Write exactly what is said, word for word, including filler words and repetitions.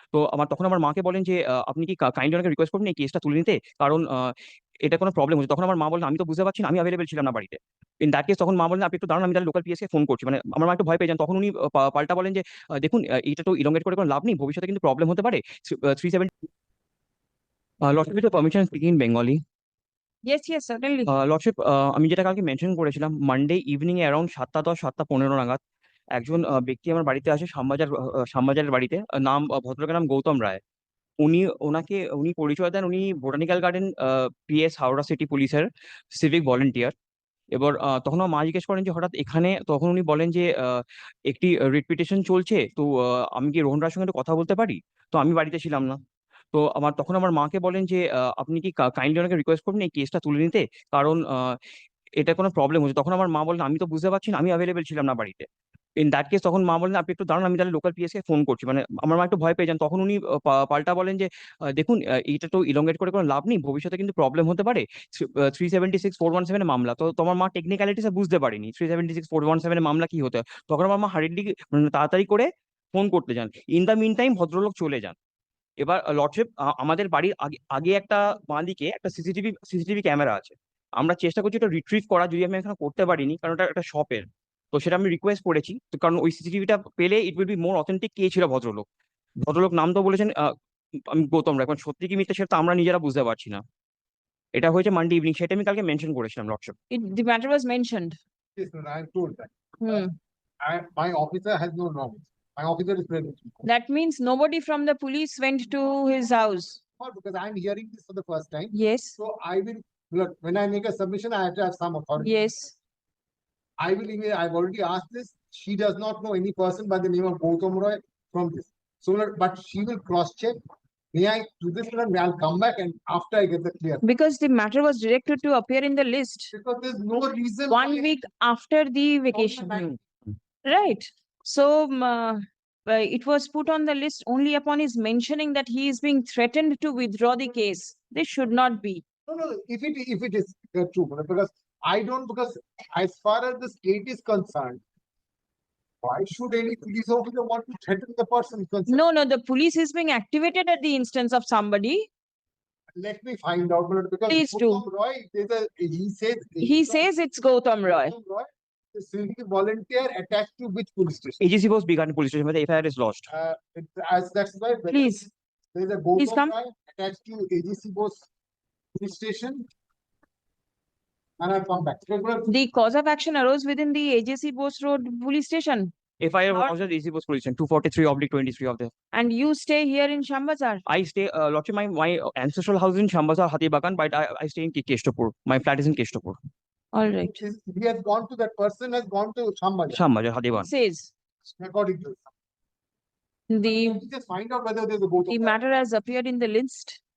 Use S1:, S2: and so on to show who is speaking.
S1: তো আমার তখন আমার মাকে বলেন যে, আ "আপনি কি কা কাইন্ডলি ওনাকে রিকোয়েস্ট করবেন এই কেসটা তুলে নিতে? কারণ আ এটা কোনো প্রবলেম হচ্ছে।" তখন আমার মা বললেন, "আমি তো বুঝতে পারছি না, আমি এভেইলেবল ছিলাম না বাড়িতে।" ইন দ্যাট কেস তখন মা বললেন, "আপনি একটু দাঁড়ান, আমি তাহলে লোকাল পিএসকে ফোন করছি।" মানে আমার মা একটু ভয় পেয়ে যান। তখন উনি আ পা পাল্টা বলেন যে, আ "দেখুন আ এটা তো elongate করে কোনো লাভ নেই। ভবিষ্যতে কিন্তু প্রবলেম হতে পারে। Three uh three seven" uh lordship with your permission speaking in Bengali.
S2: Yes, yes, certainly.
S1: Uh lordship uh আমি যেটা কালকে মেনশন করেছিলাম, মানডে ইভনিং এ অ্যারাউন্ড সাতটা দশ সাতটা পনেরো নাগাদ একজন আ ব্যক্তি আমার বাড়িতে আসে শ্যামবাজার আ আ শ্যামবাজারের বাড়িতে। আ নাম আ ভদ্রলোকের নাম গৌতম রায়। উনি ওনাকে উনি পরিচয় দেন উনি botanical garden uh PS Howrah city পুলিশের সিভিক ভলান্টিয়ার। এবার আ তখন আমার মা জিজ্ঞেস করেন যে, "হঠাৎ এখানে?" তখন উনি বলেন যে, আ "একটি রিট পিটিশন চলছে। তো আ আমি কি রোহন রায়ের সঙ্গে একটু কথা বলতে পারি?" তো আমি বাড়িতে ছিলাম না। তো আমার তখন আমার মাকে বলেন যে, আ "আপনি কি কা কাইন্ডলি ওনাকে রিকোয়েস্ট করবেন এই কেসটা তুলে নিতে? কারণ আ এটা কোনো প্রবলেম হচ্ছে।" তখন আমার মা বললেন, "আমি তো বুঝতে পারছি না, আমি এভেইলেবল ছিলাম না বাড়িতে।" ইন দ্যাট কেস তখন মা বললেন, "আপনি একটু দাঁড়ান, আমি তাহলে লোকাল পিএসকে ফোন করছি।" মানে আমার মা একটু ভয় পেয়ে যান। তখন উনি আ পা পাল্টা বলেন যে, আ "দেখুন আ এটা তো elongate করে কোনো লাভ নেই। ভবিষ্যতে কিন্তু প্রবলেম হতে পারে। Three uh three seventy six four one seven এ মামলা।" তো তোমার মা টেকনিক্যালিটিস এ বুঝতে পারেনি। Three seventy six four one seven এ মামলা কি হতে হয়। তখন আমার মা হার্রিডলি মানে তাড়াতাড়ি করে ফোন করতে যান। ইন দ্য মিন টাইম ভদ্রলোক চলে যান। এবার আ লর্ডশিপ আ আমাদের বাড়ির আগে আগে একটা বাঁদিকে একটা সিসিটিভি সিসিটিভি ক্যামেরা আছে। আমরা চেষ্টা করছি ওটা রিট্রিভ করার, যদি আমি এখনো করতে পারিনি। কারণ ওটা একটা শপের। তো সেটা আমি রিকোয়েস্ট করেছি। তো কারণ ওই সিসিটিভিটা পেলে it will be more authentic কে ছিল ভদ্রলোক। ভদ্রলোক নাম তো বলেছেন আ আমি গৌতম রায়। এখন সত্যি কি মিথ্যা সেটা তো আমরা নিজেরা বুঝতে পারছি না। এটা হয়েছে মানডে ইভনিং, সেটা আমি কালকে মেনশন করেছিলাম lordship.
S2: It, the matter was mentioned.
S3: Yes, no, I am told that.
S2: Hmm.
S3: I, my officer has no knowledge. My officer is present.
S2: That means nobody from the police went to his house.
S3: Not because I am hearing this for the first time.
S2: Yes.
S3: So I will look when I make a submission, I have to have some authority.
S2: Yes.
S3: I will email. I've already asked this. She does not know any person by the name of Gautam Roy from this. So, but she will cross check. May I do this one? I'll come back and after I get the clear.
S2: Because the matter was directed to appear in the list
S3: Because there's no reason.
S2: one
S3: why-
S2: week after the vacation.
S1: Hmm.
S2: Right. So um, uh, uh, it was put on the list only upon his mentioning that he is being threatened to withdraw the case. This should not be.
S3: No, no, if it if it is uh, true, because I don't, because as far as the state is concerned, why should any police officer want to threaten the person concerned?
S2: No, no, the police is being activated at the instance of somebody.
S3: Let me find out, but because
S2: Please do.
S3: Gautam Roy, there's a he says
S2: He says it's Gautam Roy.
S3: Gautam Roy, the civic volunteer attached to which police station?
S1: AJC Bose বিগান police station, the F I R is lodged.
S3: Uh, it, as that's why
S2: Please.
S3: there's a
S2: Please
S3: Gautam
S2: come.
S3: Roy attached to A G C Bose police station, and I'll come back. Because
S2: The cause of action arose within the A J C Bose Road police station.
S1: F I R
S2: Not-
S1: was at A G C Bose police station, two forty-three oblique twenty-three of the.
S2: And you stay here in Shambazar.
S1: I stay, uh, Lordship, my, my ancestral house is in Shambazar, Hatibagan, but I, I stay in Ke- Keshtapur. My flat is in Keshtapur.
S2: All right.
S3: he has gone to that person has gone to Shambhaja,
S1: Shambazar, Hatibagan.
S2: Says
S3: according to
S2: the
S3: just find out whether there's a Gautam
S2: the
S3: Roy.
S2: matter has appeared in the list